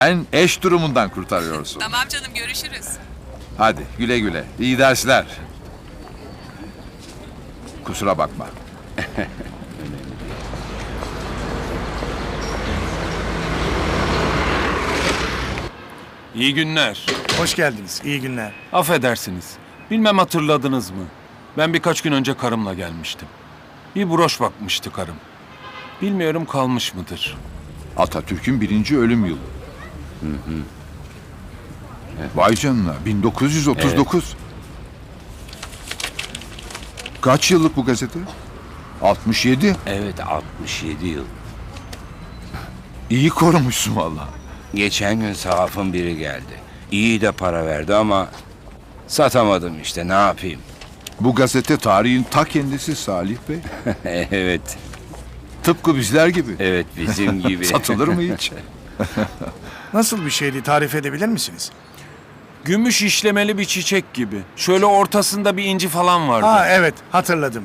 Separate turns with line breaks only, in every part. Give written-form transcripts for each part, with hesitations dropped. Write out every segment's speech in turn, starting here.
Sen eş durumundan kurtarıyorsun.
Tamam canım, görüşürüz.
Hadi güle güle. İyi dersler. Kusura bakma.
İyi günler.
Hoş geldiniz. İyi günler.
Affedersiniz. Bilmem hatırladınız mı? Ben birkaç gün önce karımla gelmiştim. Bir broş bakmıştı karım. Bilmiyorum kalmış mıdır?
Atatürk'ün 1. ölüm yılı. Vay canına 1939. Kaç yıllık bu gazete? 67.
Evet, 67 yıl.
İyi korumuşsun valla.
Geçen gün sahafın biri geldi. İyi de para verdi ama satamadım işte, ne yapayım?
Bu gazete tarihin ta kendisi Salih Bey.
Evet,
Tıpkı bizler gibi.
evet bizim gibi.
Satılır mı hiç?
Nasıl bir şeydi, tarif edebilir misiniz?
Gümüş işlemeli bir çiçek gibi. Şöyle ortasında bir inci falan vardı.
Ha evet, hatırladım.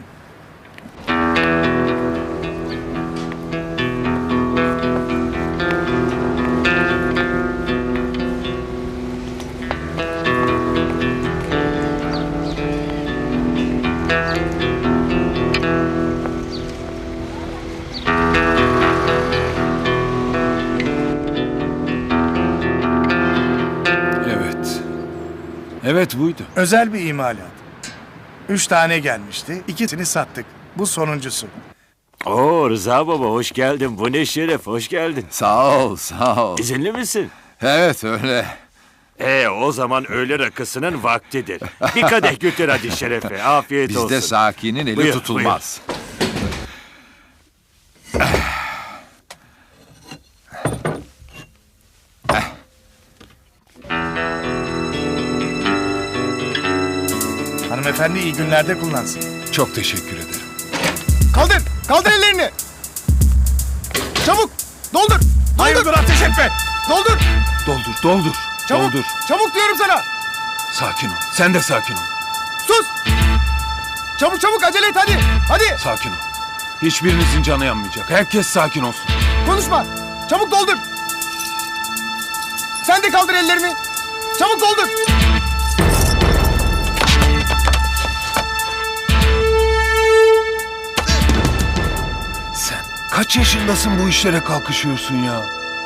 Evet. Evet buydu.
Özel bir imalat. 3 tane gelmişti, 2'sini sattık. Bu sonuncusu.
Oo Rıza baba hoş geldin. Bu ne şeref, hoş geldin.
Sağ ol, sağ ol.
İzinli misin?
Evet öyle.
O zaman öğle rakısının vaktidir. Bir kadeh götür hadi şerefe. Afiyet olsun.
Bizde sakinin eli
Buyur,
tutulmaz.
Hanımefendi iyi günlerde kullansın.
Çok teşekkür ederim.
Kaldır! Kaldır ellerini! Çabuk! Doldur! Hayırdır ateş etme! Doldur!
Doldur, doldur.
Çabuk!
Doldur.
Çabuk diyorum sana!
Sakin ol. Sen de sakin ol.
Sus! Çabuk çabuk acele et hadi! Hadi!
Sakin ol. Hiçbirinizin canı yanmayacak. Herkes sakin olsun.
Konuşma! Çabuk doldur! Sen de kaldır ellerini! Çabuk doldur!
Sen kaç yaşındasın bu işlere kalkışıyorsun ya?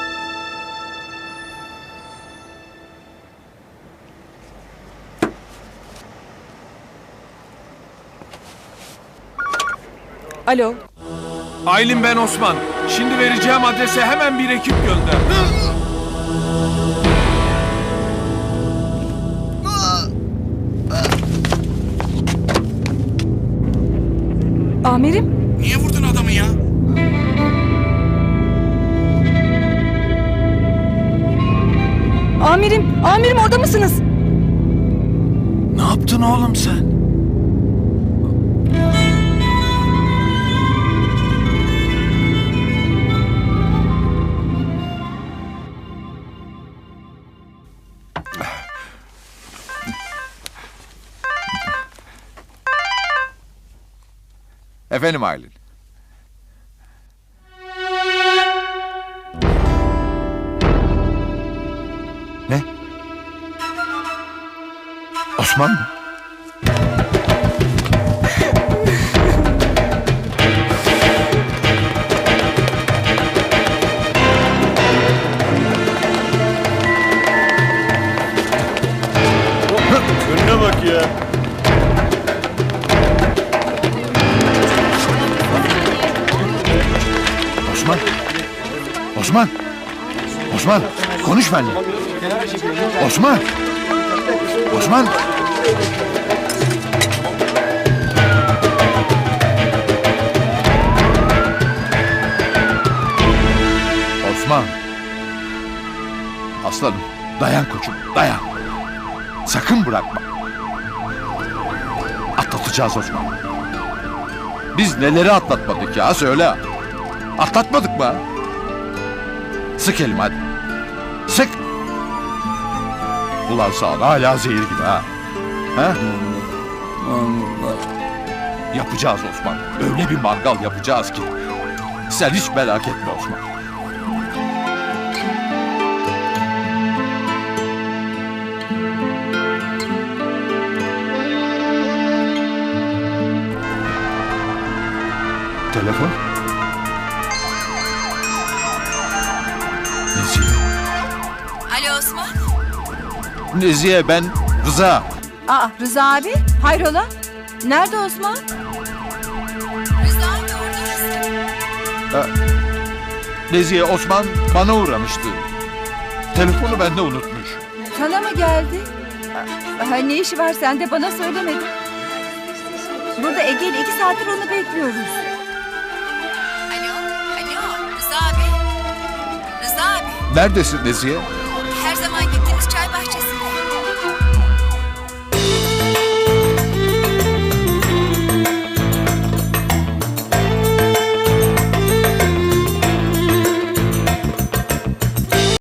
Alo.
Aylin ben Osman. Şimdi vereceğim adrese hemen bir ekip gönder.
Amirim.
Niye vurdun adamı ya?
Amirim orada mısınız?
Ne yaptın oğlum sen?
Efendim Aylin. Ne? Osman mı?
Önüne bak ya.
Osman. Osman. Osman. Konuş benimle. Osman. Osman. Osman. Aslanım. Dayan koçum. Dayan. Sakın bırakma. Atlatacağız Osman. Biz neleri atlatmadık ya söyle. Atlatmadık mı? Sık elimi hadi. Sık. Ulan sağ hala zehir gibi ha. Ha? Yapacağız Osman. Öyle bir mangal yapacağız ki. Sen hiç merak etme Osman. telefon. Nezihe.
Alo Osman.
Nezihe, ben Rıza.
Aa Rıza abi hayrola? Nerede Osman? Rıza abi orada mısın?
Nezihe, Osman bana uğramıştı. Telefonu bende unutmuş.
Sana mı geldi? Ne işi var sende bana söylemedin. Burada Ege ile 2 saattir onu bekliyoruz. Alo Rıza abi. Rıza abi.
Neredesin Nezihe?
Her zaman gittiğimiz çay bahçesi.